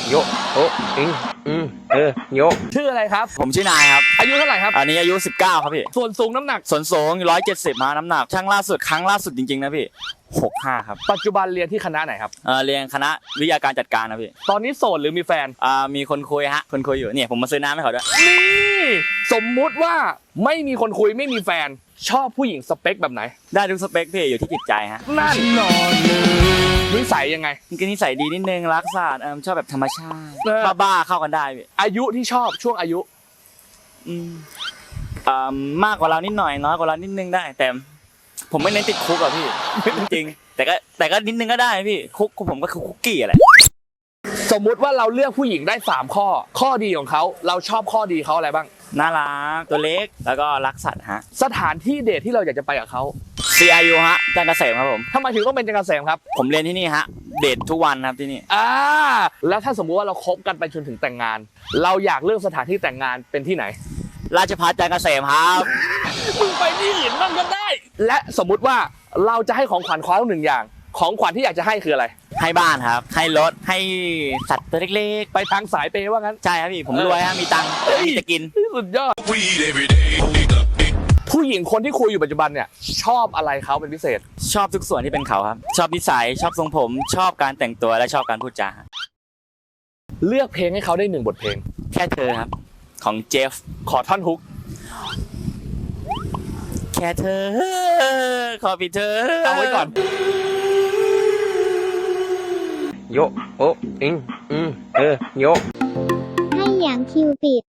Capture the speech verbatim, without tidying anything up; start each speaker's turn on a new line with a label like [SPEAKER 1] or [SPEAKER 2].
[SPEAKER 1] โยโออิงอืมเออโยชื่ออะไรครับ
[SPEAKER 2] ผมชื่อนายครับ
[SPEAKER 1] อายุเท่าไหร่ครับ
[SPEAKER 2] อันนี้อายุสิบเก้าครับพี่
[SPEAKER 1] ส่วนสูงน้ำหนัก
[SPEAKER 2] ส่วนสูงร้อยเจ็ดสิบมาน้ำหนักช่างล่าสุดครั้งล่าสุดจริงๆนะพี่หกห้าครับ
[SPEAKER 1] ปัจจุบันเรียนที่คณะไหนครับ
[SPEAKER 2] เออเรียนคณะวิทยาการจัดการนะพี่
[SPEAKER 1] ตอนนี้โสดหรือมีแฟน
[SPEAKER 2] อ่ามีคนคุยฮะคนคุยอยู่เนี่ยผมมาซื้อน้ำให้เขาด้วย
[SPEAKER 1] นี่สมมุติว่าไม่มีคนคุยไม่มีแฟนชอบผู้หญิงสเปคแบบไหน
[SPEAKER 2] ได้ทุกสเปคพี่อยู่ที่จิตใจฮะ
[SPEAKER 1] นั่นนอนเลยนิสัยยังไง
[SPEAKER 2] มันก็นิสัยดีนิดนึงรักษาเออชอบแบบธรรมชาติบ้าๆเข้ากันได้พี่
[SPEAKER 1] อายุที่ชอบช่วงอายุ
[SPEAKER 2] อืมอ่ามากกว่าเรานิดหน่อยน้อยกว่าเรานิดนึงได้แต่ผมไม่เน้นติดคุกอะพี่จริงๆแต่ก็แต่ก็นิดนึงก็ได้พี่คุกผมก็คือคุกกี้อะไร
[SPEAKER 1] สมมุติว่าเราเลือกผู้หญิงได้สามข้อข้อดีของเขาเราชอบข้อดีเขาอะไรบ้าง
[SPEAKER 2] น่ารักตัวเล็กแล้วก็รักสัตว์ฮะ
[SPEAKER 1] สถานที่เดทที่เราอยากจะไปกับเขา
[SPEAKER 2] ซี ไอ ยู ฮะจันทร์เกษมครับผม
[SPEAKER 1] ทำไมถึงต้องเป็นจันทร์เกษมครับ
[SPEAKER 2] ผมเรียนที่นี่ฮะเดททุกวันครับที่นี่
[SPEAKER 1] อ่าแล้วถ้าสมมุติว่าเราคบกันไปจนถึงแต่งงานเราอยากเลือกสถานที่แต่งงานเป็นที่ไหน
[SPEAKER 2] ราชภัฏจันทร์เกษมครับ
[SPEAKER 1] มึงไปที่อื่นบ้างก็ได้และสมมุติว่าเราจะให้ของขวัญเขาหนึ่งอย่างของขวัญที่อยากจะให้คืออะไร
[SPEAKER 2] ให้บ้านครับให้รถให้สัตว์ตัวเล็ก
[SPEAKER 1] ๆไปทางสายเปย์ว่างั้น
[SPEAKER 2] ใช่ครับพี่ผมรวยฮะมีตังค์มีจะกิน
[SPEAKER 1] สุดยอดผู้หญิงคนที่คุยอยู่ปัจจุบันเนี่ยชอบอะไรเขาเป็นพิเศษ
[SPEAKER 2] ชอบทุกส่วนที่เป็นเขาครับชอบนิสัยชอบทรงผมชอบการแต่งตัวและชอบการพูดจา
[SPEAKER 1] เลือกเพลงให้เขาได้หนึ่งบทเพลง
[SPEAKER 2] แค่เธอครับของเจฟ
[SPEAKER 1] ขอท่อนฮุก
[SPEAKER 2] แค่เธอขอพี่เธอ
[SPEAKER 1] เอาไว้ก่อนโยโออิงอืมเออโย
[SPEAKER 3] ให้อย่างคิวปิด